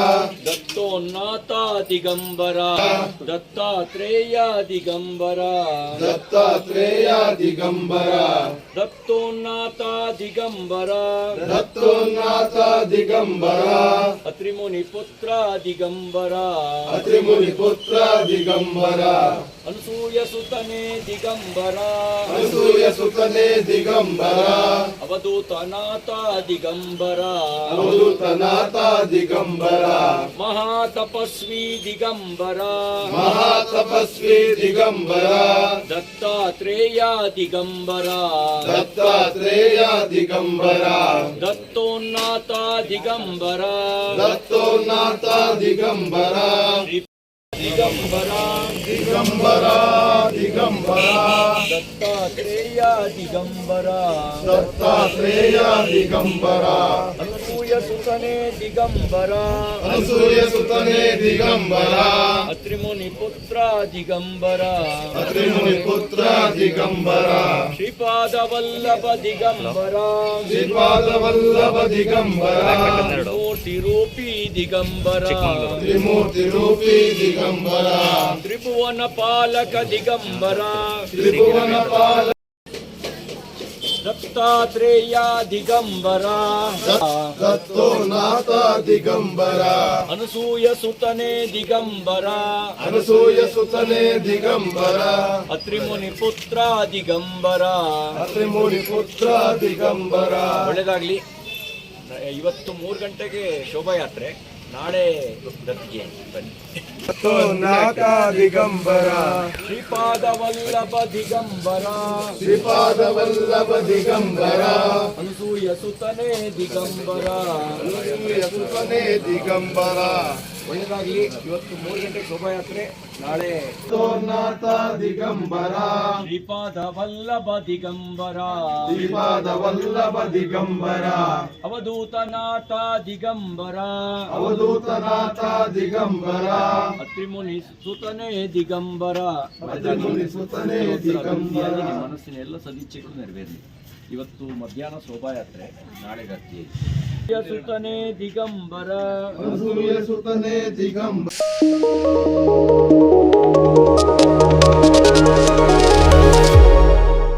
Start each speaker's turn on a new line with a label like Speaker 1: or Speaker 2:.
Speaker 1: ದತ್ತೋನ್ನಾಥ ದಿಗಂಬರ ದತ್ತಾತ್ರೇಯ ದಿಗಂಬರ
Speaker 2: ದತ್ತಾತ್ರೇಯ ದಿಗಂಬರ
Speaker 1: ದತ್ತೋನ್ನಾಥ ದಿಗಂಬರ
Speaker 2: ದತ್ತೋನ್ನಾಥ ದಿಗಂಬರ
Speaker 1: ಅತ್ರಿಮುನಿ ಪುತ್ರ ದಿಗಂಬರ
Speaker 2: ಅತ್ರಿಮುನಿ ಪುತ್ರ ದಿಗಂಬರ
Speaker 1: ಅನಸೂಯ ಸುತನೇ ದಿಗಂಬರ
Speaker 2: ಅನಸೂಯ ಸುತನೇ ದಿಗಂಬರ
Speaker 1: ಅವಧೂತನಾಥ ದಿಗಂಬರ
Speaker 2: ಅವಧೂತನಾಥ ದಿಗಂಬರ
Speaker 1: ಮಹಾತಪಸ್ವಿ ದಿಗಂಬರ
Speaker 2: ಮಹಾತಪಸ್ವಿ ದಿಗಂಬರ
Speaker 1: ದತ್ತಾತ್ರೇಯ ದಿಗಂಬರ
Speaker 2: ದತ್ತಾತ್ರೇಯ ದಿಗಂಬರ
Speaker 1: ದತ್ತೋನ್ನಾಥ ದಿಗಂಬರ
Speaker 2: ದತ್ತೋನ್ನಾಥ ದಿಗಂಬರ
Speaker 1: ದಿಗಂಬರ
Speaker 2: ದಿಗಂಬರ ದಿಗಂಬರ
Speaker 1: ದತ್ತಾತ್ರೇಯ ದಿಗಂಬರ
Speaker 2: ದತ್ತಾತ್ರೇಯ ದಿಗಂಬರ
Speaker 1: ಅನಸೂಯ ಸುತನೇ ದಿಗಂಬರ
Speaker 2: ಅನಸೂಯ ಸುತನೇ ದಿಗಂಬರ
Speaker 1: ಅತ್ರಿಮುನಿ ಪುತ್ರ ದಿಗಂಬರ
Speaker 2: ಅತ್ರಿಮುನಿ ಪುತ್ರ ದಿಗಂಬರ
Speaker 1: ಶ್ರೀಪಾದ ವಲ್ಲಭ ದಿಗಂಬರ
Speaker 2: ಶ್ರೀಪಾದ ವಲ್ಲಭ ದಿಗಂಬರ
Speaker 1: ಮೂರ್ತಿ ರೂಪಿ ದಿಗಂಬರ
Speaker 2: ತ್ರಿಮೂರ್ತಿ ರೂಪಿ ದಿಗಂಬರ
Speaker 1: ತ್ರಿಭುವನ ಪಾಲಕ ದಿಗಂಬರ
Speaker 2: ತ್ರಿಭುವನ ಪಾಲ
Speaker 1: ದತ್ತಾತ್ರೇಯ ದಿಗಂಬರ
Speaker 2: ದತ್ತೋನ್ನಾಥ ದಿಗಂಬರ
Speaker 1: ಅನಸೂಯ ಸುತನೇ ದಿಗಂಬರ
Speaker 2: ಅನಸೂಯ ಸುತನೇ ದಿಗಂಬರ
Speaker 1: ಅತ್ರಿಮುನಿ ಪುತ್ರ ದಿಗಂಬರ
Speaker 2: ಅತ್ರಿಮುನಿ ಪುತ್ರ ದಿಗಂಬರ
Speaker 1: ಒಳ್ಳೆದಾಗ್ಲಿ. ಇವತ್ತು 3 ಗಂಟೆಗೆ ಶೋಭಾಯಾತ್ರೆ, ನಾಳೆ ದತ್ತಿಗೆ ಬನ್ನಿ.
Speaker 2: ದತ್ತೋನ್ನಾಥ ದಿಗಂಬರ
Speaker 1: ಶ್ರೀಪಾದ ವಲ್ಲಭ ದಿಗಂಬರ
Speaker 2: ಶ್ರೀಪಾದ ವಲ್ಲಭ ದಿಗಂಬರ
Speaker 1: ಅನಸೂಯ ಸುತನೇ ದಿಗಂಬರ
Speaker 2: ಅನಸೂಯ ಸುತನೇ ದಿಗಂಬರ
Speaker 1: ಒಳ್ಳೆದಾಗ್ಲಿ. ಇವತ್ತು 3 ಗಂಟೆಗೆ ಶೋಭಾಯಾತ್ರೆ, ನಾಳೆ
Speaker 2: ದತ್ತೋನ್ನಾಥ ದಿಗಂಬರ
Speaker 1: ಶ್ರೀಪಾದ ವಲ್ಲಭ ದಿಗಂಬರ
Speaker 2: ಶ್ರೀಪಾದ ವಲ್ಲಭ ದಿಗಂಬರ
Speaker 1: ಅವಧೂತನಾಥ ದಿಗಂಬರ
Speaker 2: ಅವಧೂತನಾಥ ದಿಗಂಬರ
Speaker 1: ಅತ್ರಿಮುನಿ ಸುತನೇ ದಿಗಂಬರ.
Speaker 2: ಅತ್ರಿಮುನಿ ಸುತನೇ ದಿಗಂಬರ.
Speaker 1: ನಿಮ್ಮ ಮನಸ್ಸಿನ ಎಲ್ಲ ಸದಿಚ್ಛೆಗಳು ನೆರವೇರಲಿ. ಇವತ್ತು ಮಧ್ಯಾಹ್ನ ಶೋಭಾಯಾತ್ರೆ, ನಾಳೆ ಗತ್ತಿಗೆ ಸುತನೇ ದಿಗಂಬರ
Speaker 2: ಅನಸೂಯ ಸುತನೇ ದಿಗಂಬರ